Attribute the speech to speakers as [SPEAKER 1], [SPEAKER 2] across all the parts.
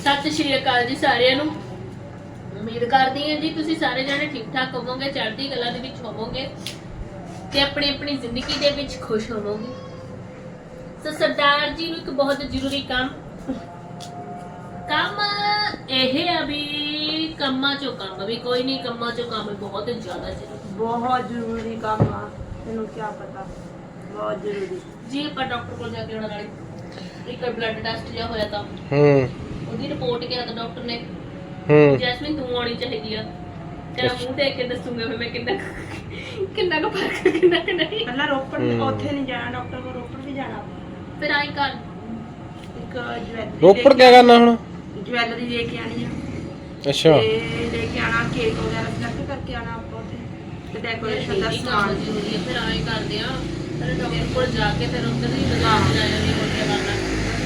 [SPEAKER 1] ਸਤਿ ਸ਼੍ਰੀ ਅਕਾਲ ਜੀ ਸਾਰਿਆਂ ਨੂੰ। ਉਮੀਦ ਕਰਦੀ ਹਾਂ ਜੀ ਤੁਸੀਂ ਸਾਰੇ ਜਣੇ ਠੀਕ ਠਾਕ ਹੋਵੋਗੇ, ਚੜ੍ਹਦੀ ਕਲਾ ਦੇ ਵਿੱਚ ਹੋਵੋਗੇ ਤੇ ਆਪਣੀ ਆਪਣੀ ਜ਼ਿੰਦਗੀ ਦੇ ਵਿੱਚ ਖੁਸ਼ ਹੋਵੋਗੇ। ਸੋ ਸਰਦਾਰ ਜੀ ਨੂੰ ਇੱਕ ਬਹੁਤ ਜ਼ਰੂਰੀ ਕੰਮ ਇਹ ਆ ਵੀ ਕੰਮਾਂ ਚੋਂ ਕੰਮ ਵੀ ਕੋਈ ਨਹੀਂ, ਕੰਮਾਂ ਚੋਂ ਕੰਮ ਬਹੁਤ ਜ਼ਿਆਦਾ ਜ਼ਰੂਰੀ,
[SPEAKER 2] ਬਹੁਤ ਜ਼ਰੂਰੀ ਕੰਮ ਆ। ਤੈਨੂੰ ਕੀ ਪਤਾ, ਬਹੁਤ ਜ਼ਰੂਰੀ
[SPEAKER 1] ਜੀ। ਆਪਾਂ ਡਾਕਟਰ ਕੋਲ ਜਾ ਕੇ ਆਉਣ ਵਾਲੇ ਇੱਕ ਬਲੱਡ ਟੈਸਟ ਜਿਹਾ ਹੋਇਆ ਤਾਂ ਉਹਦੀ ਰਿਪੋਰਟ ਕਿਹਾ ਤਾਂ ਡਾਕਟਰ ਨੇ ਜੈਸਮੀਨ ਤੂੰ ਆਉਣੀ ਚਾਹੀਦੀ ਆ। ਤੇਰਾ ਮੂੰਹ ਦੇਖ ਕੇ ਦੱਸੂਗਾ ਫਿਰ ਮੈਂ ਕਿੰਨਾ ਕੁ ਫਰਕ ਕਿੰਨਾ ਕਿ ਨਹੀਂ।
[SPEAKER 2] ਪਹਿਲਾਂ ਰੋਪੜ ਉੱਥੇ ਨਹੀਂ ਜਾਣਾ ਡਾਕਟਰ ਕੋਲ, ਰੋਪੜ ਵੀ ਜਾਣਾ।
[SPEAKER 1] ਫਿਰ ਆਈ ਕਰ
[SPEAKER 2] ਇੱਕ ਜਵੈਲਰੀ
[SPEAKER 3] ਰੋਪੜ ਕੀ ਕਰਨਾ ਹੁਣ?
[SPEAKER 2] ਜਵੈਲਰੀ ਲੈ ਕੇ ਆਣੀ ਆ।
[SPEAKER 3] ਅੱਛਾ,
[SPEAKER 2] ਤੇ ਲੈ ਕੇ ਆਣਾ, ਕੇਕ ਵਗੈਰਾ ਸਿਲੈਕਟ ਕਰਕੇ ਆਣਾ ਆਪਾਂ ਉੱਥੇ, ਤੇ ਡੈਕੋਰੇਸ਼ਨ ਦਾ ਸਮਾਨ
[SPEAKER 1] ਜ਼ਰੂਰੀ ਹੈ। ਫਿਰ ਆਈ ਕਰਦੇ ਆ ਫਿਰ ਡਾਕਟਰ ਕੋਲ ਜਾ ਕੇ ਫਿਰ ਉੱਧਰ ਦੀ ਬਾਜ਼ਾਰ ਜਾ ਜਾਂਦੀ ਹੋ ਕੇ ਕਰਨਾ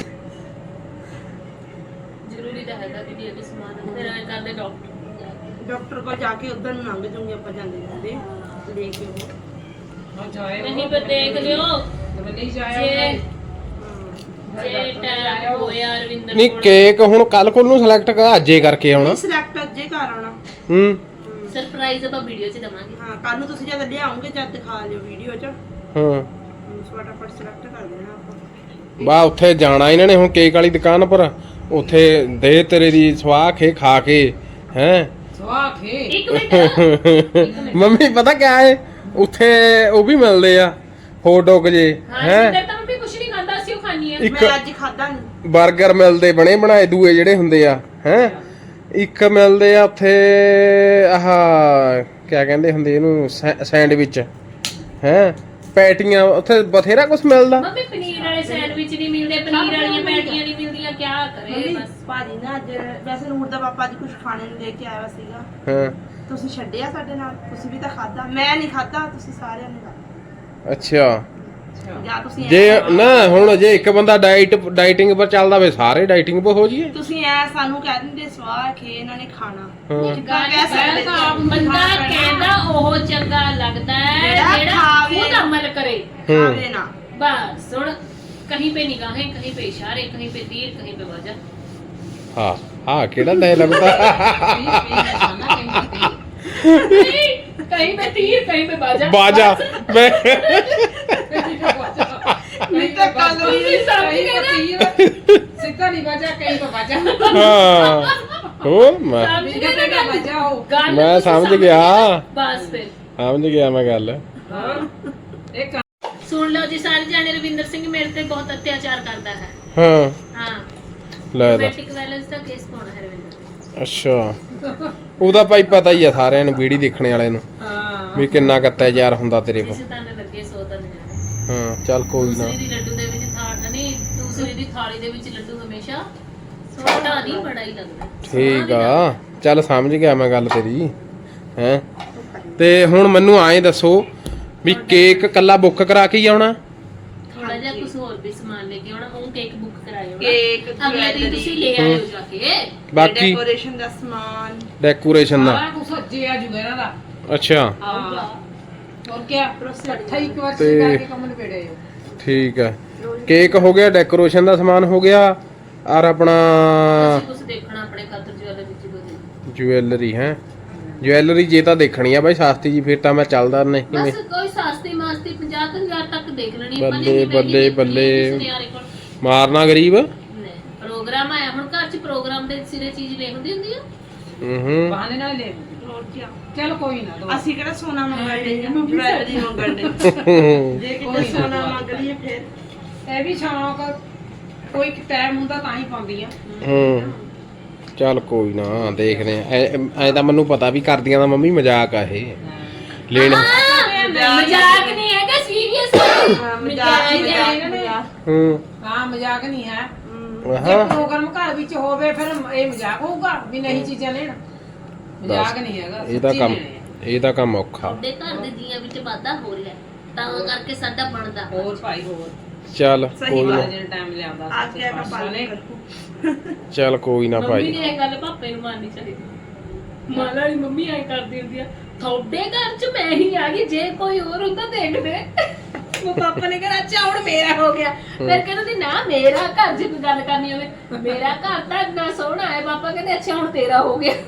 [SPEAKER 1] ਜ਼ਰੂਰੀ ਤਾਂ ਹੈਗਾ ਕਿ ਇਹ ਵੀ ਸਮਾਨ। ਫਿਰ ਆਈ ਕਰਦੇ
[SPEAKER 2] ਡਾਕਟਰ ਕੋਲ ਜਾ ਕੇ ਉਧਰ ਨੂੰ ਲੰਘ ਜੂਗੇ ਆਪਾਂ ਜਾਂਦੇ ਜਾਂਦੇ ਲੈ ਕੇ ਉਹ
[SPEAKER 1] ਨਹੀਂ ਪਰ ਦੇਖ ਲਿਓ ਜੇ ਟਾਈਮ ਹੋਇਆ ਰਵਿੰਦਰ
[SPEAKER 3] ਨਹੀਂ ਕੇਕ ਹੁਣ ਕੱਲ ਕੋਲ ਨੂੰ ਸਿਲੈਕਟ ਕਰ, ਅੱਜੇ ਕਰਕੇ ਆਉਣਾ।
[SPEAKER 2] ਸਿਲੈਕਟ ਅੱਜੇ ਕਰ ਆਉਣਾ।
[SPEAKER 1] ਸਰਪ੍ਰਾਈਜ਼ ਆਪਾਂ ਵੀਡੀਓ 'ਚ ਦਵਾਂਗੇ।
[SPEAKER 2] ਹਾਂ, ਕੱਲ ਨੂੰ ਤੁਸੀਂ ਜਦ ਲਿਆਉਂਗੇ ਜਦ ਦਿਖਾ ਲਿਓ ਵੀਡੀਓ 'ਚ।
[SPEAKER 3] ਹਾਂ,
[SPEAKER 2] ਫਟਾਫਟ ਸਿਲੈਕਟ ਕਰ ਦੇਣਾ ਆਪਾਂ।
[SPEAKER 3] ਬਾ ਉੱਥੇ ਜਾਣਾ ਇਹਨਾਂ ਨੇ ਹੁਣ ਕੇਕ ਵਾਲੀ ਦੁਕਾਨ ਪਰ, ਉੱਥੇ ਦੇ ਤੇਰੇ ਦੀ ਸਵਾਹ ਖਾ ਕੇ ਹੈ
[SPEAKER 1] ਇੱਕ ਮਿੰਟ
[SPEAKER 3] ਮੰਮੀ ਪਤਾ ਕਿਆ ਹੈ ਉੱਥੇ ਉਹ ਵੀ ਮਿਲਦੇ ਆ ਹੌਟ ਡੌਗ ਜੇ ਹੈ,
[SPEAKER 1] ਤਾਂ ਮੰਮੀ ਕੁਛ ਨਹੀਂ ਖਾਂਦਾ, ਅਸੀਂ ਉਹ ਖਾਣੀ ਆ।
[SPEAKER 3] ਇੱਕ
[SPEAKER 2] ਮੈਂ ਅੱਜ ਖਾਦਾ ਨਹੀਂ।
[SPEAKER 3] 버ਗਰ ਮਿਲਦੇ ਬਣੇ ਬਣਾਏ ਦੂਏ ਜਿਹੜੇ ਹੁੰਦੇ ਆ ਹੈ, ਇੱਕ ਮਿਲਦੇ ਆ ਉੱਥੇ ਆਹ ਕਿਆ ਕਹਿੰਦੇ ਹੁੰਦੇ ਇਹਨੂੰ ਸੈਂਡਵਿਚ ਹੈ, ਪੈਟੀਆਂ ਉੱਥੇ ਬਥੇਰਾ ਕੁਝ ਮਿਲਦਾ।
[SPEAKER 1] ਮੰਮੀ ਪਨੀਰ ਵਾਲੇ ਸੈਂਡਵਿਚ ਨਹੀਂ ਮਿਲਦੇ, ਪਨੀਰ ਵਾਲੀਆਂ ਪੈਟੀਆਂ ਨਹੀਂ ਮਿਲਦੀਆਂ, ਕੀ ਕਰੇ ਬਸ।
[SPEAKER 2] ਭਾਜੀ ਨਾ ਅੱਜ ਵੈਸੇ ਨੂਰ ਦਾ ਪਾਪਾ ਅੱਜ ਕੁਝ ਖਾਣੇ ਨੂੰ ਲੈ ਕੇ ਆਇਆ ਸੀਗਾ।
[SPEAKER 3] ਹਾਂ,
[SPEAKER 2] ਤੁਸੀਂ ਛੱਡਿਆ ਸਾਡੇ ਨਾਲ, ਤੁਸੀਂ ਵੀ ਤਾਂ ਖਾਦਾ। ਮੈਂ ਨਹੀਂ ਖਾਦਾ, ਤੁਸੀਂ ਸਾਰਿਆਂ ਨੇ ਖਾਦਾ।
[SPEAKER 3] ਅੱਛਾ।
[SPEAKER 2] ਜਾਂ ਤੁਸੀਂ
[SPEAKER 3] ਜੇ ਨਾ ਹੁਣ ਜੇ ਇੱਕ ਬੰਦਾ ਡਾਈਟਿੰਗ ਪਰ ਚੱਲਦਾ ਵੇ ਸਾਰੇ ਡਾਈਟਿੰਗ ਪਰ ਹੋ ਜੀਏ।
[SPEAKER 2] ਤੁਸੀਂ ਐ ਸਾਨੂੰ ਕਹਿ ਦਿੰਦੇ ਸਵਾਹ ਖੇ ਇਹਨਾਂ ਨੇ ਖਾਣਾ।
[SPEAKER 1] ਬੰਦਾ ਕਹਿੰਦਾ ਉਹ ਚੰਗਾ ਲੱਗਦਾ ਹੈ ਜਿਹੜਾ ਖੁਦ ਅਮਲ ਕਰੇ,
[SPEAKER 2] ਖਾਵੇ ਨਾ।
[SPEAKER 1] बस सुन, कहीं पे निगाहें, कहीं पे इशारे, कहीं पे तीर, कहीं पे वजह।
[SPEAKER 3] हाँ हाँ केड़ा डायलॉग था?
[SPEAKER 1] कहीं पे तीर, कहीं पे बाजा।
[SPEAKER 3] बाजा मैं
[SPEAKER 2] नहीं तो कल भी
[SPEAKER 4] सिक्का नहीं बजा, कहीं तो बजा।
[SPEAKER 3] हाँ हो मैं समझ गया,
[SPEAKER 1] बस फिर
[SPEAKER 3] समझ गया मैं गल।
[SPEAKER 4] एक
[SPEAKER 1] सुन लो जी सारे जाने, रविंदर सिंह मेरे ते बहुत अत्याचार करता है।
[SPEAKER 3] हाँ
[SPEAKER 1] हाँ
[SPEAKER 3] ਲੈ ਦਾ
[SPEAKER 1] ਡੋਮੈਸਟਿਕ ਵਾਇਲੈਂਸ ਦਾ ਕੇਸ ਪਾਉਣਾ ਹੈ ਰਵਿੰਦਰ।
[SPEAKER 3] ਅੱਛਾ, ਉਹਦਾ ਭਾਈ ਪਤਾ ਹੀ ਆ ਸਾਰਿਆਂ ਨੂੰ, ਵੀਡੀਓ ਦੇਖਣੇ ਵਾਲੇ ਨੂੰ ਵੀ ਕਿੰਨਾ ਅਤਿਆਚਾਰ ਹੁੰਦਾ ਤੇਰੇ ਕੋਲ।
[SPEAKER 1] ਜਿਸ ਤਨ ਲੱਗੇ ਸੋ ਤਨ ਜਾਣੇ।
[SPEAKER 3] ਹਾਂ ਚੱਲ ਕੋਈ ਨਾ,
[SPEAKER 1] ਦੂਸਰੀ ਦੀ ਲੱਡੂ ਦੇ ਵਿੱਚ ਨਹੀਂ, ਦੂਸਰੀ ਦੀ ਥਾਲੀ ਦੇ ਵਿੱਚ ਲੱਡੂ ਹਮੇਸ਼ਾ ਛੋਟਾ ਨਹੀਂ ਬੜਾ ਹੀ ਲੱਗਦਾ।
[SPEAKER 3] ਠੀਕ ਆ, ਚੱਲ ਸਮਝ ਗਿਆ ਮੈਂ ਗੱਲ ਤੇਰੀ ਹੈ। ਤੇ ਹੁਣ ਮੈਨੂੰ ਐਂ ਦੱਸੋ ਵੀ ਕੇਕ ਕੱਲਾ ਬੁੱਕ ਕਰਾ ਕੇ ਹੀ ਆਉਣਾ?
[SPEAKER 1] ਥੋੜਾ ਜਿਹਾ ਕੁਝ ਹੋਰ ਵੀ ਸਮਾਨ ਲੈ ਕੇ ਆਉਣਾ, ਉਹ ਕੇਕ ਬੁੱਕ ਕਰਾਇਓ।
[SPEAKER 2] ਕੇਕ,
[SPEAKER 1] ਅਗਲੇ ਦਿਨ ਤੁਸੀਂ ਲੈ ਆਇਓ ਜਾ ਕੇ
[SPEAKER 3] ਬਾਕੀ
[SPEAKER 2] ਡੈਕੋਰੇਸ਼ਨ ਦਾ ਸਮਾਨ,
[SPEAKER 3] ਡੈਕੋਰੇਸ਼ਨ ਦਾ।
[SPEAKER 4] सारा कुछ सज्जे आ जुगा ना दा।
[SPEAKER 3] ਅੱਛਾ
[SPEAKER 1] ਆਊਗਾ।
[SPEAKER 4] और क्या इकट्ठा ही एक बार
[SPEAKER 3] ते-
[SPEAKER 4] सिखा के कमल पेड़े हो।
[SPEAKER 3] ਠੀਕ ਹੈ, ਕੇਕ ਹੋ ਗਿਆ, ਡੈਕੋਰੇਸ਼ਨ ਦਾ ਸਮਾਨ ਹੋ ਗਿਆ, ਔਰ ਆਪਣਾ
[SPEAKER 1] ਅਸੀਂ ਕੁਝ ਦੇਖਣਾ ਆਪਣੇ ਖਾਤਰ ਜੁਐਲਰੀ ਵਿੱਚ ਦੋ।
[SPEAKER 3] ਜੁਐਲਰੀ ਹੈ। ਜੁਐਲਰੀ ਜੇ ਤਾਂ ਦੇਖਣੀ ਆ ਬਾਈ ਸਸਤੀ ਜੀ, ਫਿਰ ਤਾਂ ਮੈਂ ਚੱਲਦਾ ਨਹੀਂ।
[SPEAKER 1] ਬਸ ਕੋਈ ਸਸਤੀ ਮਾਸਤੀ 50,000 ਤੱਕ ਦੇਖ ਲੈਣੀ ਆਪਾਂ ਨੇ।
[SPEAKER 3] ਬੱਲੇ ਬੱਲੇ ਬੱਲੇ, ਮਾਰਨਾ ਗਰੀਬ।
[SPEAKER 1] ਪ੍ਰੋਗਰਾਮ ਆਇਆ ਹੁਣ ਘਰ 'ਚ, ਪ੍ਰੋਗਰਾਮ ਦੇ ਸਿਰੇ ਚੀਜ਼ ਲੈ ਹੁੰਦੀ ਆ।
[SPEAKER 3] ਹੂੰ
[SPEAKER 4] बहाने ना ले।
[SPEAKER 2] ਹੋਰ ਕੀ।
[SPEAKER 4] चल कोई ना दो।
[SPEAKER 2] ਅਸੀਂ ਕਿਹੜਾ ਸੋਨਾ ਮੰਗਣ ਦੇ ਜਾਂ ਜਵੈਲਰੀ ਮੰਗਣ ਦੇ। ਜੇ ਕਿਤੇ ਸੋਨਾ ਮੰਗ ਲਈਏ ਫਿਰ
[SPEAKER 4] ਇਹ ਵੀ ਸ਼ੌਂਕ ਕੋਈ ਟਾਈਮ ਹੁੰਦਾ ਤਾਂ ਹੀ ਪਾਉਂਦੀ ਆ।
[SPEAKER 3] ਹੂੰ ਚੱਲ ਕੋਈ ਨਾ, ਦੇਖਦੇ ਆ। ਐ ਤਾਂ ਮੈਨੂੰ ਪਤਾ ਵੀ ਕਰਦੀਆਂ ਦਾ ਮੰਮੀ ਮਜ਼ਾਕ ਆ ਇਹ ਲੈਣ।
[SPEAKER 1] ਮਜ਼ਾਕ ਨਹੀਂ ਹੈਗਾ, ਸੀਰੀਅਸ
[SPEAKER 2] ਮਜ਼ਾਕ ਮਜ਼ਾਕ।
[SPEAKER 3] ਹੂੰ
[SPEAKER 4] ਹਾਂ ਮਜ਼ਾਕ ਨਹੀਂ ਹੈ।
[SPEAKER 3] ਹਾਂ
[SPEAKER 4] ਜੇ ਪ੍ਰੋਗਰਾਮ ਘਰ ਵਿੱਚ ਹੋਵੇ ਫਿਰ ਇਹ ਮਜ਼ਾਕ ਹੋਊਗਾ ਵੀ ਨਹੀਂ ਚੀਜ਼ਾਂ ਲੈਣ। ਮਜ਼ਾਕ ਨਹੀਂ ਹੈਗਾ,
[SPEAKER 3] ਇਹ ਤਾਂ
[SPEAKER 4] ਸੱਚੀ
[SPEAKER 3] ਕੰਮ,
[SPEAKER 4] ਲੈਣੇ ਆ।
[SPEAKER 3] ਇਹ ਤਾਂ ਕੰਮ ਔਖਾ।
[SPEAKER 1] ਤੁਹਾਡੇ ਘਰ ਦੇ ਜੀਆਂ ਵਿੱਚ ਵਾਧਾ ਹੋ ਰਿਹਾ, ਤਾਂ ਕਰਕੇ ਸਾਡਾ ਬਣਦਾ।
[SPEAKER 4] ਹੋਰ ਭਾਈ ਹੋਰ
[SPEAKER 3] ਚੱਲ
[SPEAKER 2] ਸਹੀ
[SPEAKER 3] ਕੋਈ ਨਾ,
[SPEAKER 4] ਜਿਹੜਾ ਟਾਈਮ ਲਿਆਉਂਦਾ
[SPEAKER 2] ਆਗਿਆ ਦਾ ਪਾਲਣ ਕਰੋ।
[SPEAKER 3] ਚੱਲ ਕੋਈ ਨਾ
[SPEAKER 1] ਮੰਮੀ
[SPEAKER 3] ਭਾਈ।
[SPEAKER 1] ਨੇ ਇਹ ਗੱਲ ਪਾਪੇ ਨੂੰ ਮੰਨਣੀ ਚਾਹੀਦੀ। ਮਾਲਾ ਦੀ ਮੰਮੀ ਐ ਕਰਦੀ ਹੁੰਦੀ ਆ, ਤੁਹਾਡੇ ਘਰ 'ਚ ਮੈਂ ਹੀ ਆ ਗਈ, ਜੇ ਕੋਈ ਹੋਰ ਹੁੰਦਾ ਦੇਖਦੇ। ਉਹ ਪਾਪਾ ਨੇ ਕਿਹਾ ਅੱਛਾ ਹੁਣ ਮੇਰਾ ਹੋ ਗਿਆ। ਫਿਰ ਕਹਿੰਦੇ ਨਾ ਮੇਰਾ ਘਰ ਜੇ ਕੋਈ ਗੱਲ ਕਰਨੀ ਹੋਵੇ ਮੇਰਾ ਘਰ ਤਾਂ ਇੰਨਾ ਸੋਹਣਾ ਹੈ। ਪਾਪਾ ਕਹਿੰਦੇ ਅੱਛਾ ਹੁਣ ਤੇਰਾ ਹੋ ਗਿਆ।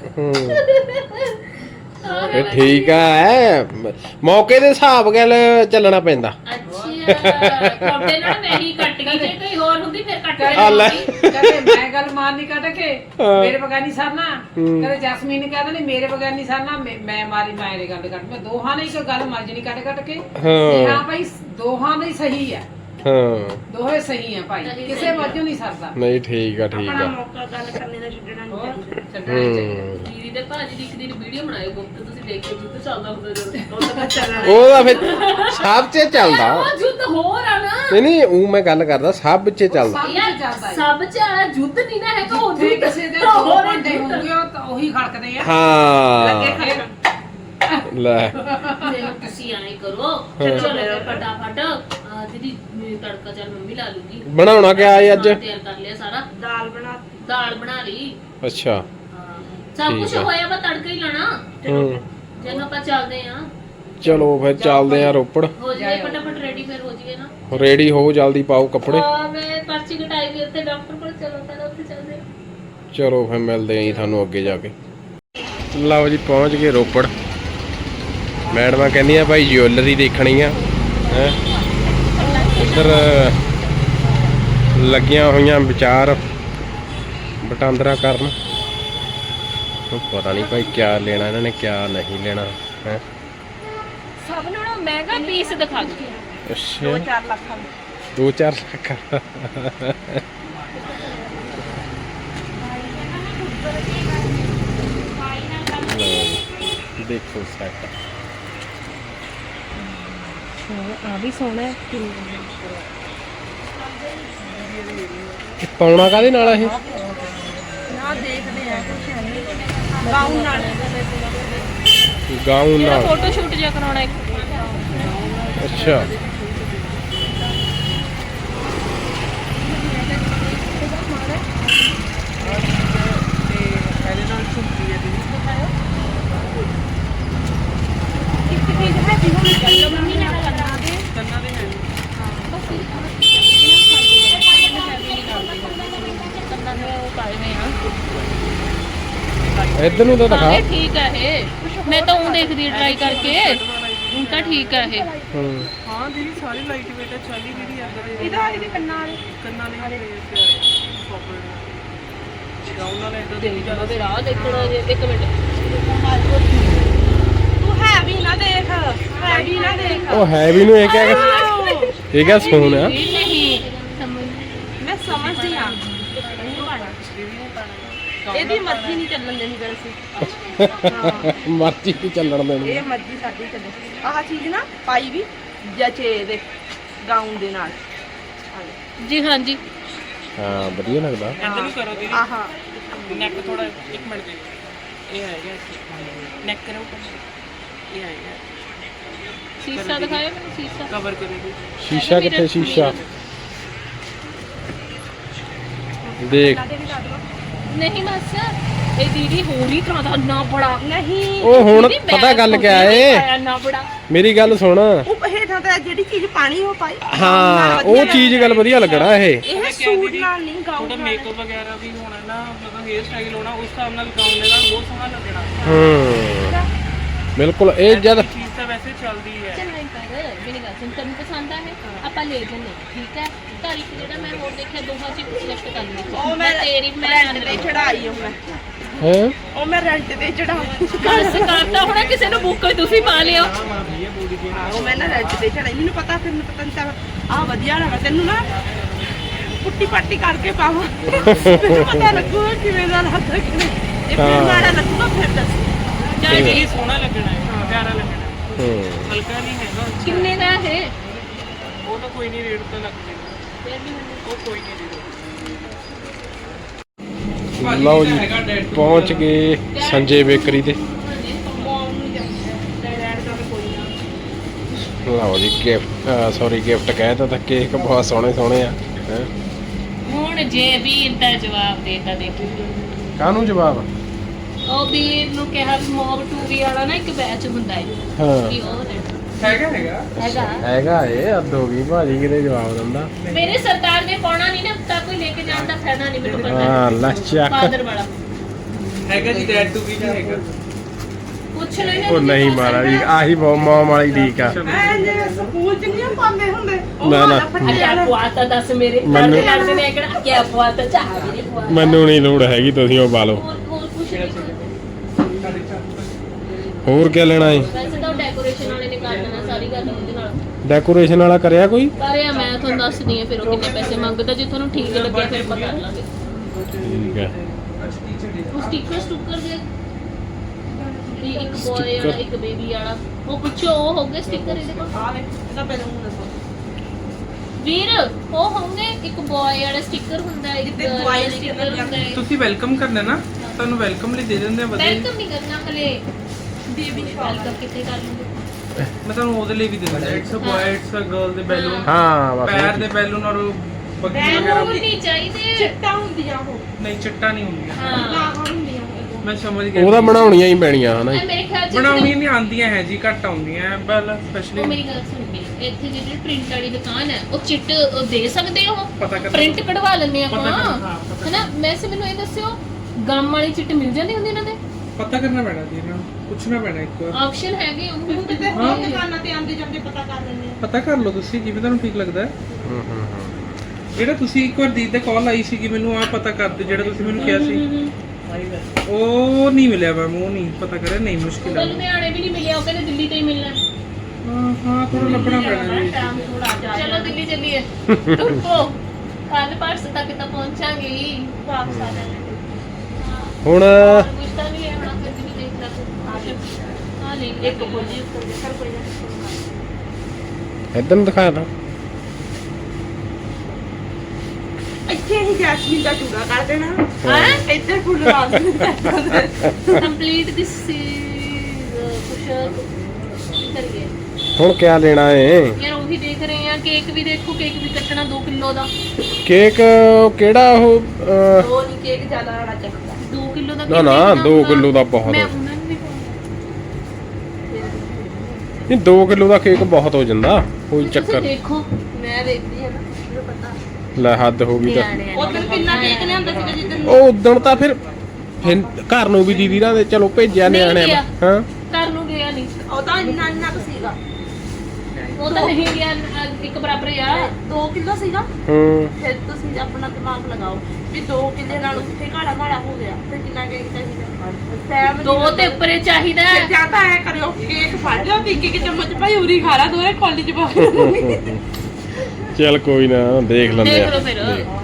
[SPEAKER 3] ਇਹ ਠੀਕ ਆ ਮੌਕੇ ਦੇ ਹਿਸਾਬ ਨਾਲ ਚੱਲਣਾ ਪੈਂਦਾ।
[SPEAKER 1] ਅੱਛਾ ਤੁਹਾਡੇ ਨਾਲ ਮੈਂ ਹੀ ਕੱਟ ਗਈ ਜੇ ਕੋਈ ਹੋਰ ਹੁੰਦੀ ਫਿਰ ਕੱਟ
[SPEAKER 3] ਆ ਲੈ।
[SPEAKER 4] ਕਦੇ ਮੈਂ ਗੱਲ ਮਾਰਨੀ ਕੱਢ ਕੇ ਮੇਰੇ ਬਗੈਰ ਨਹੀਂ ਸਰਨਾ, ਕਦੇ ਜਸਮੀਨ ਕਹਿੰਦਾ ਨਹੀਂ ਮੇਰੇ ਬਗੈਰ ਨਹੀਂ ਸਰਨਾ, ਮੈਂ ਮਾਰੀ ਮਾਇਰੇ ਗੱਲ ਕੱਢ। ਮੈਂ ਦੋਹਾਂ ਨੇ ਇੱਕ ਗੱਲ ਮਰਜ਼ੀ ਨਹੀਂ ਕੱਢ ਕੇ ਵੀ ਹਾਂ ਭਾਈ ਦੋਹਾਂ ਦਾ ਹੀ ਸਹੀ ਹੈ।
[SPEAKER 3] ਹਾਂ
[SPEAKER 4] ਦੋਹੇ ਸਹੀ ਆ ਭਾਈ, ਕਿਸੇ ਵਜੋਂ ਨਹੀਂ ਸਰਦਾ।
[SPEAKER 3] ਨਹੀਂ ਠੀਕ ਆ ਠੀਕ
[SPEAKER 2] ਆਪਣਾ
[SPEAKER 3] ਆ।
[SPEAKER 2] ਮੌਕਾ ਗੱਲ ਕਰਨੇ ਦਾ ਛੱਡਣਾ ਨਹੀਂ ਚਾਹੀਦਾ।
[SPEAKER 4] ਛੱਡਣਾ ਨਹੀਂ ਚਾਹੀਦਾ।
[SPEAKER 3] ਹੂੰ
[SPEAKER 1] ਦੀਦੀ ਦੇ ਭਾਜੀ ਦੀ ਇੱਕ ਦਿਨ ਵੀਡੀਓ ਬਣਾਇਓ ਗੁਪਤ ਤੁਸੀਂ ਦੇਖਿਓ ਜਿੱਦ ਚੱਲਦਾ ਹੁੰਦਾ ਜਦੋਂ
[SPEAKER 2] ਉਹ ਤਾਂ ਚੱਲਣਾ
[SPEAKER 3] ਉਹਦਾ ਫਿਰ ਸਭ 'ਚ ਚੱਲਦਾ।
[SPEAKER 1] ਉਹ ਜੁੱਧ ਹੋਰ ਆ ਨਾ
[SPEAKER 3] ਨਹੀਂ ਉਹ ਮੈਂ ਗੱਲ ਕਰਦਾ ਸਭ 'ਚ ਚੱਲਦਾ।
[SPEAKER 4] ਸਭ
[SPEAKER 1] ਯਾਰ
[SPEAKER 4] ਚ ਚੱਲਦਾ ਹੈ।
[SPEAKER 1] ਸਭ ਚ ਆ ਜੁੱਧ ਨਹੀਂ ਨਾ ਹੈਗਾ ਉਹ
[SPEAKER 4] ਜੇ
[SPEAKER 1] ਜੁੱਧ
[SPEAKER 4] ਕਿਸੇ ਦੇ
[SPEAKER 1] ਤਾਂ
[SPEAKER 4] ਦੋ
[SPEAKER 1] ਹੋਰ
[SPEAKER 4] ਭਾਂਡੇ
[SPEAKER 1] ਜੁੱਧ।
[SPEAKER 4] ਹੋਣਗੇ ਉਹ ਤਾਂ ਉਹੀ ਖੜਕਦੇ ਆ।
[SPEAKER 3] ਹਾਂ
[SPEAKER 4] ਫਿਰ
[SPEAKER 3] ਲੈ
[SPEAKER 1] ਦੇਖੋ ਤੁਸੀਂ ਆਏ ਕਰੋ ਚਲੋ ਫਟਾਫਟ ਦੀਦੀ ਮੇਰੀ ਤੜਕਾ ਚੱਲ ਮੰਮੀ ਲਾ ਲੂਗੀ।
[SPEAKER 3] ਬਣਾਉਣਾ ਕਿਆ ਹੈ ਅੱਜ?
[SPEAKER 1] ਤਿਆਰ ਕਰ ਲਿਆ ਸਾਰਾ, ਦਾਲ ਬਣਾ ਲਈ।
[SPEAKER 3] ਅੱਛਾ
[SPEAKER 1] ਹਾਂ ਸਭ
[SPEAKER 3] ਠੀਕ
[SPEAKER 1] ਕੁਝ
[SPEAKER 3] ਆ।
[SPEAKER 1] ਹੋਇਆ ਵਾ ਤੜਕਾ ਹੀ ਲਾਣਾ।
[SPEAKER 3] ਹੂੰ
[SPEAKER 1] ਜਦੋਂ ਆਪਾਂ ਚੱਲਦੇ ਆ
[SPEAKER 3] ਚਲੋ ਫਿਰ ਚੱਲਦੇ ਆ ਰੋਪੜ।
[SPEAKER 1] ਹੋ ਜਾਏ ਫਟਾਫਟ ਰੈਡੀ ਫਿਰ ਹੋ ਜਾਈਏ ਨਾ।
[SPEAKER 3] ਰੈਡੀ ਹੋ ਜਲਦੀ ਪਾਓ ਕੱਪੜੇ।
[SPEAKER 1] ਹਾਂ ਮੈਂ ਪਰਚੀ ਕਟਾਈ ਵੀ ਉੱਥੇ ਡਾਕਟਰ ਕੋਲ ਚਲੋ ਪਹਿਲਾਂ ਉੱਥੇ ਚੱਲਦੇ ਆ।
[SPEAKER 3] ਚਲੋ ਫਿਰ ਮਿਲਦੇ ਆਂ ਜੀ ਤੁਹਾਨੂੰ ਅੱਗੇ ਜਾ ਕੇ। ਲਓ ਜੀ ਪਹੁੰਚ ਗਏ ਰੋਪੜ। ਮੈਡਮਾਂ ਕਹਿੰਦੀਆਂ ਭਾਈ ਜਿਊਲਰੀ ਦੇਖਣੀ ਆ ਹੈ। ਇੱਧਰ ਲੱਗੀਆਂ ਹੋਈਆਂ ਵਿਚਾਰ ਵਟਾਂਦਰਾ ਕਰਨ। ਹੁਣ ਪਤਾ ਨਹੀਂ ਭਾਈ ਕਿਆ ਲੈਣਾ ਇਹਨਾਂ ਨੇ ਕਿਆ ਨਹੀਂ ਲੈਣਾ ਹੈ।
[SPEAKER 1] ਸਭ ਨਾਲੋਂ ਮਹਿੰਗਾ ਪੀਸ ਦਿਖਾ ਦਿਓ।
[SPEAKER 3] ਅੱਛਾ
[SPEAKER 2] 4 ਲੱਖ
[SPEAKER 3] 2-4 ਲੱਖ। ਲਓ ਦੇਖੋ ਸੈਟ
[SPEAKER 1] ਆ ਵੀ ਸੋਹਣਾ ਹੈ।
[SPEAKER 3] ਇਹ ਪਾਉਣਾ ਕਾਹਦੇ ਨਾਲ ਇਹ?
[SPEAKER 2] ਨਾ ਦੇਖਦੇ ਆ ਕੁਛ ਗਾਉਂ ਨਾਲ
[SPEAKER 3] ਗਾਊਨ ਨਾਲ।
[SPEAKER 1] ਫੋਟੋ ਸ਼ੂਟ ਜਿਹਾ ਕਰਾਉਣਾ ਇੱਕ।
[SPEAKER 3] ਅੱਛਾ ਇੱਧਰ ਨੂੰ ਤਾਂ ਦਿਖਾ।
[SPEAKER 1] ਇਹ ਠੀਕ ਹੈ ਇਹ ਮੈਂ ਤਾਂ ਉਹ ਦੇਖਦੀ ਟਰਾਈ ਕਰਕੇ ਹੁਣ ਤਾਂ ਠੀਕ ਹੈ ਇਹ।
[SPEAKER 3] ਹੂੰ
[SPEAKER 2] ਹਾਂ ਦੀਦੀ ਸਾਰੀ ਲਾਈਟ ਵੇਟ ਚੱਲੀ ਦੀਦੀ ਅੰਦਰ ਇਹਦੇ ਕੰਨਾਂ ਵਾਲੇ ਗਾਉਂ ਨਾਲ ਇਦਾਂ ਦੇ
[SPEAKER 1] ਚਲੋ ਫਿਰ ਆ ਦੇਖਣਾ ਜੇ ਇੱਕ ਮਿੰਟ।
[SPEAKER 2] ਤੂੰ ਹੈ ਵੀ ਨਾ ਦੇਖ, ਹੈ ਵੀ ਨਾ ਦੇਖ।
[SPEAKER 3] ਉਹ ਹੈ ਵੀ ਨੂੰ ਇਹ ਕਿਆ ਇਹ ਕਿਆ ਸੋਹਣਾ ਆ।
[SPEAKER 1] ਨਹੀਂ
[SPEAKER 2] ਮੈਂ ਸਮਝਦੀ ਆ ਇਹਦੀ ਮਰਜ਼ੀ ਨਹੀਂ ਚੱਲਣ ਦੇਣੀ ਫਿਰ ਅਸੀਂ।
[SPEAKER 3] ਮਰਜ਼ੀ ਨਹੀਂ ਚੱਲਣ ਦੇਣੀ।
[SPEAKER 2] ਇਹ ਮਰਜ਼ੀ ਸਾਡੀ ਚੱਲੇ। ਆਹ ਚੀਜ਼ ਨਾ ਪਾਈ ਵੀ ਜਚੇ ਇਹਦੇ ਗਾਊਨ ਦੇ ਨਾਲ।
[SPEAKER 1] ਜੀ ਹਾਂਜੀ
[SPEAKER 3] ਹਾਂ ਵਧੀਆ ਲੱਗਦਾ।
[SPEAKER 2] ਇੱਧਰ ਨੂੰ ਕਰੋ ਦੀਦੀ। ਆਹਾ ਨੈਕ ਥੋੜਾ 1 ਮਿੰਟ ਦੇ। ਇਹ ਆਏਗਾ ਨੈਕ ਕਰੋ ਇਹ ਆਏਗਾ।
[SPEAKER 1] ਸੀਸਾ ਦਿਖਾਇਆ ਮੈਨੂੰ ਸੀਸਾ
[SPEAKER 2] ਕਵਰ ਕਰੋ ਜੀ।
[SPEAKER 3] ਸ਼ੀਸ਼ਾ ਕਿੱਥੇ ਸ਼ੀਸ਼ਾ ਦੇਖ।
[SPEAKER 1] ਨਹੀਂ ਬਸ ਇਹ ਦੀਦੀ ਹੋਣੀ ਤਰ੍ਹਾਂ ਦਾ ਨਾ ਬੜਾ ਨਹੀਂ।
[SPEAKER 3] ਉਹ ਹੁਣ ਪਤਾ ਗੱਲ ਕਿਆ ਏ
[SPEAKER 1] ਨਾ ਬੜਾ
[SPEAKER 3] ਮੇਰੀ ਗੱਲ ਸੁਣ।
[SPEAKER 2] ਉਹ ਹੇਠਾਂ ਤੇ ਜਿਹੜੀ ਚੀਜ਼ ਪਾਣੀ ਉਹ ਪਾਈ।
[SPEAKER 3] ਹਾਂ ਉਹ ਚੀਜ਼ ਗੱਲ ਵਧੀਆ ਲੱਗਣਾ ਇਹ।
[SPEAKER 2] ਇਹ ਸੂਟ ਨਾਲ ਨਹੀਂ ਗਾਊਨ
[SPEAKER 5] ਥੋੜਾ ਮੇਕਅਪ ਵਗੈਰਾ ਵੀ ਹੋਣਾ ਨਾ, ਮਤਲਬ ਹੇਅਰ ਸਟਾਈਲ ਹੋਣਾ ਉਸ ਹਿਸਾਬ ਨਾਲ ਗਾਉਣ ਦੇ ਨਾਲ ਬਹੁਤ ਸੋਹਣਾ ਲੱਗਣਾ।
[SPEAKER 3] ਹੂੰ ਬਿਲਕੁਲ ਇਹ ਜਦ
[SPEAKER 5] ਚੀਜ਼ ਤਾਂ ਵੈਸੇ ਚੱਲਦੀ ਹੈ।
[SPEAKER 1] ਚੱਲ ਨਹੀਂ ਕਰ ਮੇਰੀ ਗੱਲ ਸੁਣ ਤੈਨੂੰ ਪਸੰਦ ਆ ਇਹ ਆਪਾਂ ਲੈ ਲੈਣੇ ਠੀਕ ਹੈ। ਘਰ ਇੱਕ ਜਿਹੜਾ ਮੈਂ ਹੋਰ ਦੇਖਿਆ ਦੋਹਾਂ ਚ ਸਿਲੈਕਟ ਕਰ ਲਈ।
[SPEAKER 2] ਉਹ ਮੈਂ
[SPEAKER 1] ਤੇਰੀ ਮੈਂ
[SPEAKER 2] ਰੈਂਟ ਤੇ ਚੜਾਈ ਉਹ ਮੈਂ।
[SPEAKER 3] ਹੈ
[SPEAKER 2] ਉਹ ਮੈਂ ਰੈਂਟ ਤੇ ਚੜਾਈ।
[SPEAKER 1] ਬਸ ਕਰਤਾ ਹੋਣਾ ਕਿਸੇ ਨੂੰ ਬੁੱਕ ਹੋਈ ਤੁਸੀਂ ਪਾ ਲਿਓ।
[SPEAKER 2] ਉਹ ਮੈਂ ਨਾ ਰੈਂਟ ਤੇ ਚੜਾਈ। ਮੈਨੂੰ ਪਤਾ ਫਿਰ ਮੈਨੂੰ ਪਤਾ ਨਹੀਂ ਤਾਂ ਆਹ ਵਧੀਆ ਲੱਗਾ ਤੈਨੂੰ ਨਾ ਪੁੱਟੀ ਪਾਟੀ ਕਰਕੇ ਪਾਵਾਂ। ਮੈਨੂੰ ਪਤਾ ਲੱਗੂਗਾ ਕਿਵੇਂ ਦਾ ਲੱਗਦਾ ਕਿਵੇਂ। ਇਹ ਫਿਰ ਮਾੜਾ ਲੱਗੂਗਾ ਫਿਰ ਦੱਸ।
[SPEAKER 5] ਚਾਹੇ ਵੀ ਸੋਹਣਾ ਲੱਗਣਾ ਹੈ, ਪਿਆਰਾ ਲੱਗਣਾ ਹੈ,
[SPEAKER 3] ਹੂੰ
[SPEAKER 5] ਹਲਕਾ ਨਹੀਂ ਹੈਗਾ।
[SPEAKER 1] ਕਿੰਨੇ ਦਾ ਇਹ
[SPEAKER 5] ਉਹ ਤਾਂ ਕੋਈ ਨਹੀਂ ਰੇਟ ਤਾਂ ਲੱਗ ਜਾਏਗਾ। ਉਹ ਕੋਈ ਨਹੀਂ ਰੇਟ।
[SPEAKER 3] ਲਓ ਜੀ ਪਹੁੰਚ ਗਏ ਸੰਜੇ ਬੇਕਰੀ ਤੇ। ਲਓ ਜੀ ਗਿਫਟ ਸੌਰੀ ਗਿਫਟ ਕਹਿਤਾ ਤਾਂ ਕੇਕ ਬਹੁਤ ਸੋਹਣੇ ਸੋਹਣੇ ਆ ਹੈਂ।
[SPEAKER 1] ਹੁਣ ਜੇ ਵੀ ਇੰਦਾ ਜਵਾਬ ਦੇਤਾ ਦੇਖੀ
[SPEAKER 3] ਕਾਹਨੂੰ ਜਵਾਬ?
[SPEAKER 1] ਉਹ ਵੀਰ ਨੂੰ ਕਿਹਾ ਵੀ ਮੋਬ 2 ਵੀ ਵਾਲਾ ਨਾ ਇੱਕ ਬੈਚ ਹੁੰਦਾ ਹੈ
[SPEAKER 3] ਹਾਂ
[SPEAKER 1] ਕਿ ਉਹ ਦੇਣਾ।
[SPEAKER 5] ਹੈਗਾ
[SPEAKER 3] ਹੈਗਾ ਇਹ ਅੱਧ ਹੋ ਗਈ ਭਾਜੀ ਕਿਤੇ ਜਵਾਬ ਦਿੰਦਾ
[SPEAKER 1] ਮੇਰੇ ਸਰਦਾਰ ਨੇ ਪਾਉਣਾ ਨਹੀਂ ਨਾ ਤਾਂ ਕੋਈ ਲੈ ਕੇ ਜਾਣ ਦਾ ਫਾਇਦਾ ਨਹੀਂ ਮੈਨੂੰ ਪਤਾ
[SPEAKER 3] ਹਾਂ ਲੈ ਚੱਕ
[SPEAKER 1] ਫਾਦਰ ਵਾਲਾ
[SPEAKER 5] ਹੈਗਾ ਜੀ ਡੈਡ ਟੂ ਵੀ ਹੈਗਾ
[SPEAKER 1] ਪੁੱਛ ਲਓ ਇਹਨਾਂ
[SPEAKER 3] ਉਹ ਨਹੀਂ ਮਾਰਾ ਜੀ ਆਹੀ ਬਹੁਤ ਮੌਮ ਵਾਲੀ ਠੀਕ ਆ
[SPEAKER 2] ਐ ਜੇ ਸਕੂਲ ਚ ਨਹੀਂ ਪਾਉਂਦੇ ਹੁੰਦੇ ਉਹ
[SPEAKER 3] ਨਾ, ਨਾ।
[SPEAKER 1] ਕਿਆ ਪੁਆਤਾ ਦੱਸ ਮੇਰੇ
[SPEAKER 3] ਮੈਨੂੰ-
[SPEAKER 1] ਲੜਦੇ ਨੇ ਕਿਹੜਾ ਕਿਆ ਪੁਆਤਾ ਚਾਹ ਵੀ ਨਹੀਂ ਪੁਆਤਾ
[SPEAKER 3] ਮੈਨੂੰ ਨਹੀਂ ਲੋੜ ਹੈਗੀ ਤੁਸੀਂ ਉਹ ਪਾ ਲਓ
[SPEAKER 1] ਹੋਰ ਕੁਛ ਨਹੀਂ
[SPEAKER 3] ਹੋਰ ਕੀ ਲੈਣਾ ਏ
[SPEAKER 1] ਵੈਸੇ ਤਾਂ ਡੈਕੋਰੇਸ਼ਨ ਵਾਲੇ ਨੇ ਕਰ ਦੇਣਾ ਸਾਰੀ ਗੱਲ ਉਹਦੇ ਨਾਲ
[SPEAKER 3] ਡੈਕੋਰੇਸ਼ਨ ਵਾਲਾ ਕਰਿਆ ਕੋਈ
[SPEAKER 1] ਕਰਿਆ ਮੈਂ ਤੁਹਾਨੂੰ ਦੱਸਦੀ ਆ ਫਿਰ ਉਹ ਕਿੰਨੇ ਪੈਸੇ ਮੰਗਦਾ ਜੇ ਤੁਹਾਨੂੰ ਠੀਕ ਲੱਗਿਆ ਫਿਰ ਪਤਾ ਕਰ ਲਾਂਗੇ
[SPEAKER 3] ਠੀਕ ਹੈ
[SPEAKER 1] ਉਹ ਸਟicker ਦੇ ਵੀ ਇੱਕ ਬੋਏ ਵਾਲਾ ਇੱਕ ਬੇਬੀ ਵਾਲਾ ਉਹ ਪੁੱਛੋ ਉਹ ਹੋਗੇ ਸਟicker ਇਹਦੇ ਕੋਲ
[SPEAKER 2] ਆ ਵੇ ਇਹਦਾ ਬੈਲੂਨ ਦੱਸੋ
[SPEAKER 1] ਵੀਰ ਉਹ ਹੋਣਗੇ ਇੱਕ ਬੋਏ ਵਾਲਾ ਸਟicker ਹੁੰਦਾ ਹੈ ਇੱਕ
[SPEAKER 2] ਜਿੱਥੇ boy ਵਾਲੀ
[SPEAKER 1] ਸਟicker ਹੁੰਦਾ ਹੈ
[SPEAKER 5] ਤੁਸੀਂ ਵੈਲਕਮ ਕਰਨਾ ਨਾ ਤੁਹਾਨੂੰ ਵੈਲਕਮ ਲਈ ਦੇ ਦਿੰਦੇ ਆ ਵਧੀਆ
[SPEAKER 1] ਵੈਲਕਮ ਨਹੀਂ ਕਰਨਾ ਹਲੇ ਬੇਬੀ ਵੈਲਕਮ ਕਿੱਥੇ ਕਰ ਲੂੰਗੇ
[SPEAKER 5] ਮੈਂ ਤੁਹਾਨੂੰ ਉਹਦੇ ਲਈ ਵੀ ਦੇ ਦਿੰਦਾ it's a boy it's a girl ਦੇ ਬੈਲੂਨ
[SPEAKER 3] ਹਾਂ ਬਸ
[SPEAKER 5] ਪੈਰ ਦੇ ਬੈਲੂਨ ਔਰ ਬੱਗੀ ਵਗੈਰਾ
[SPEAKER 1] ਉਹ ਨਹੀਂ ਚਾਹੀਦੇ
[SPEAKER 2] ਚਿੱਟਾ ਹੁੰਦੀਆਂ ਉਹ
[SPEAKER 5] ਨਹੀਂ ਚਿੱਟਾ ਨਹੀਂ ਹੁੰਦੀਆਂ
[SPEAKER 1] ਹਾਂ
[SPEAKER 2] ਲਾਹਾਂ ਹੁੰਦੀਆਂ ਉਹ।
[SPEAKER 5] ਮੈਂ ਸਮਝ ਗਿਆ
[SPEAKER 3] ਉਹਦਾ ਬਣਾਉਣੀਆਂ ਹੀ ਪੈਣੀਆਂ ਹਨਾ
[SPEAKER 1] ਇਹ ਮੇਰੇ ਖਿਆਲ ਚ
[SPEAKER 5] ਬਣਾਉਣੀ ਨਹੀਂ ਆਉਂਦੀਆਂ ਹੈ ਜੀ ਘੱਟ ਆਉਂਦੀਆਂ ਬਲ
[SPEAKER 1] ਉਹ
[SPEAKER 5] ਸਪੈਸ਼ਲੀ
[SPEAKER 1] ਮੇਰੀ ਗੱਲ ਸੁਣ ਮੇਰੀ ਇੱਥੇ ਜਿਹੜੀ ਪ੍ਰਿੰਟ ਵਾਲੀ ਦੁਕਾਨ ਹੈ ਉਹ ਚਿੱਟ ਉਹ ਦੇ ਸਕਦੇ ਹੋ
[SPEAKER 5] ਪਤਾ ਕਰ
[SPEAKER 1] ਪ੍ਰਿੰਟ ਕਢਵਾ ਲੈਣੇ
[SPEAKER 5] ਪਤਾ
[SPEAKER 1] ਆਪਾਂ
[SPEAKER 5] ਕਰ- ਹਾਂ, ਪਤਾ
[SPEAKER 1] ਹੈਨਾ ਵੈਸੇ ਮੈਨੂੰ ਇਹ ਦੱਸਿਓ ਗਮ ਵਾਲੀ ਚਿੱਟ ਮਿਲ ਜਾਂਦੀ ਹੁੰਦੀ ਇਹਨਾਂ ਦੇ
[SPEAKER 5] ਪਤਾ ਕਰਨਾ ਪੈਣਾ ਜੀ ਇਹਨਾਂ ਨੂੰ ਪੁੱਛਣਾ ਪੈਣਾ ਇੱਕ ਵਾਰ
[SPEAKER 1] ਆਪਸ਼ਨ ਹੈਗੇ ਉਹਨੂੰ
[SPEAKER 2] ਕਿਤੇ ਹੋਰ ਦੁਕਾਨਾਂ ਤੇ ਆਂਦੇ ਜਾਂਦੇ ਪਤਾ ਕਰ ਲੈਂਦੇ ਆ
[SPEAKER 5] ਪਤਾ ਕਰ ਲਓ ਤੁਸੀਂ ਜਿਵੇਂ ਤੁਹਾਨੂੰ ਠੀਕ ਲੱਗਦਾ ਹੈ
[SPEAKER 3] ਹੂੰ ਹੂੰ
[SPEAKER 5] ਜਿਹੜਾ ਤੁਸੀਂ ਇੱਕ ਵਾਰ ਦੀਦ ਦੇ ਕਾਲ ਆਈ ਸੀ ਕਿ ਮੈਨੂੰ ਆ ਪਤਾ ਕਰ ਦੇ ਜਿਹੜਾ ਤੁਸੀਂ ਮੈਨੂੰ ਕਿਹਾ ਸੀ ਉਹ ਨਹੀਂ ਮਿਲਿਆ ਮੈਮ ਉਹ ਨਹੀਂ ਪਤਾ ਕਰਿਆ ਨਹੀਂ ਮੁਸ਼ਕਿਲ
[SPEAKER 1] ਉਹਦਾ
[SPEAKER 5] ਹੈ
[SPEAKER 1] ਲੁਧਿਆਣੇ ਵੀ ਨਹੀਂ ਮਿਲਿਆ ਉਹ ਕਹਿੰਦੇ ਦਿੱਲੀ ਤੇ ਹੀ ਮਿਲਣਾ
[SPEAKER 5] ਹਾਂ ਥੋੜਾ ਲੱਭਣਾ ਪੈਣਾ ਜੀ
[SPEAKER 1] ਚਲੋ ਦਿੱਲੀ ਚੱਲੀਏ ਤੁਰਕੋ ਕੱਲ ਪਰਸੋਂ ਤੱਕ ਤਾਂ ਪਹੁੰਚਾਂਗੇ ਹੀ ਵਾਪਸ ਆ ਜਾਣਾ
[SPEAKER 3] ਹੁਣ
[SPEAKER 1] ਕੁਝ ਤਾਂ ਨਹੀਂ ਹੈ ਹੁਣ ਫਿਰ ਵੀ ਦੇਖ ਲਾ ਆ ਲੈ ਇੱਕ ਬੋਲੀ ਉੱਤੇ ਕਰ ਕੋਈ ਨਾ
[SPEAKER 3] ਇੱਧਰ ਨੂੰ ਦਿਖਾ ਦਾਂ
[SPEAKER 2] ਇੱਥੇ ਹੀ ਜੈਸਮੀਨ ਦਾ ਚੂੜਾ ਕਰ ਦੇਣਾ
[SPEAKER 1] ਹਾਂ
[SPEAKER 2] ਇੱਥੇ ਫੁੱਲ ਲਾ ਦੇਣਾ
[SPEAKER 1] ਕੰਪਲੀਟ ਦਿਸ ਕੁਛ ਕਰੀਏ
[SPEAKER 3] ਹੁਣ ਕੀ ਲੈਣਾ ਏ
[SPEAKER 1] ਯਾਰ ਉਹੀ ਦੇਖ ਰਹੇ ਆ ਕੇਕ ਵੀ ਦੇਖੋ ਕੇਕ ਵੀ ਕੱਟਣਾ 2 ਕਿਲੋ ਦਾ
[SPEAKER 3] ਕੇਕ ਕਿਹੜਾ ਉਹ
[SPEAKER 2] ਉਹ ਨਹੀਂ ਕੇਕ ਜ਼ਿਆਦਾ ਆਣਾ ਚਾਹੀਦਾ
[SPEAKER 1] 2 ਕਿਲੋ ਦਾ
[SPEAKER 3] ਨਾ ਨਾ 2 ਕਿਲੋ ਦਾ ਬਹੁਤ
[SPEAKER 1] ਮੈਂ
[SPEAKER 3] ਹੋ
[SPEAKER 1] ਉਹਨਾਂ ਨੂੰ ਵੀ
[SPEAKER 3] ਨਹੀਂ 2 ਕਿਲੋ ਦਾ ਕੇਕ ਬਹੁਤ ਹੋ ਜਾਂਦਾ ਕੋਈ
[SPEAKER 1] ਤੁਸੀਂ
[SPEAKER 3] ਚੱਕਰ
[SPEAKER 1] ਦੇਖੋ ਮੈਂ ਦੇਖਦੀ ਹਾਂ ਨਾ ਮੈਨੂੰ ਪਤਾ
[SPEAKER 3] ਲੈ ਹੱਦ ਹੋ ਗਈ ਤਾਂ
[SPEAKER 1] ਨਿਆਣੇ
[SPEAKER 2] ਉਦੋਂ ਕਿੰਨਾ ਕੇਕ ਲਿਆਂਦਾ ਸੀਗਾ ਜਿੱਦਣ
[SPEAKER 3] ਉਹ ਉਦਣ ਤਾਂ ਫਿਰ ਘਰ ਨੂੰ ਵੀ ਦੀਦੀ ਰਾਂ ਦੇ ਚਲੋ ਭੇਜਿਆ
[SPEAKER 1] ਨਹੀਂ
[SPEAKER 3] ਨਿਆਣਿਆਂ
[SPEAKER 1] ਗਿਆ।
[SPEAKER 3] ਨੂੰ ਹਾਂ
[SPEAKER 1] ਘਰ ਨੂੰ ਗਿਆ ਨਹੀਂ
[SPEAKER 2] ਉਹਦਾ ਇੰਨਾ ਇੰਨਾ ਕੁ ਸੀਗਾ
[SPEAKER 1] ਉਹ ਤਾਂ ਨਹੀਂ ਗਿਆ ਇੱਕ ਬਰਾਬਰ ਹੀ ਆ
[SPEAKER 2] 2 ਕਿਲੋ ਸੀਗਾ
[SPEAKER 3] ਹੂੰ
[SPEAKER 2] ਫਿਰ ਤੁਸੀਂ ਆਪਣਾ ਦਿਮਾਗ ਲਗਾਓ ਵੀ 2 ਕਿੱਲੇ ਨਾਲ ਉੱਥੇ ਘਾੜਾ ਘਾੜਾ ਹੋ ਗਿਆ ਫਿਰ ਕਿੰਨਾ ਕੇਕ ਚਾਹੀਦਾ
[SPEAKER 1] ਦੋ ਤੇ ਉੱਪਰੇ ਚਾਹੀਦਾ ਹੈ।
[SPEAKER 2] ਜਾਂ ਤਾਂ ਐ ਕਰਿਓ ਕੇਕ ਫੜ ਲਿਓ ਤੇ ਇੱਕ ਇੱਕ ਚਮਚ ਭਾਈ ਉਰੀ ਖਾ ਲਾ ਦੋਰੇ ਕਾਲਜ ਪਾ ਕੇ
[SPEAKER 3] ਚੱਲ ਕੋਈ ਨਾ ਦੇਖ ਲੈਂਦੇ
[SPEAKER 1] ਦੇਖ
[SPEAKER 3] ਆ
[SPEAKER 1] ਲਓ ਫਿਰ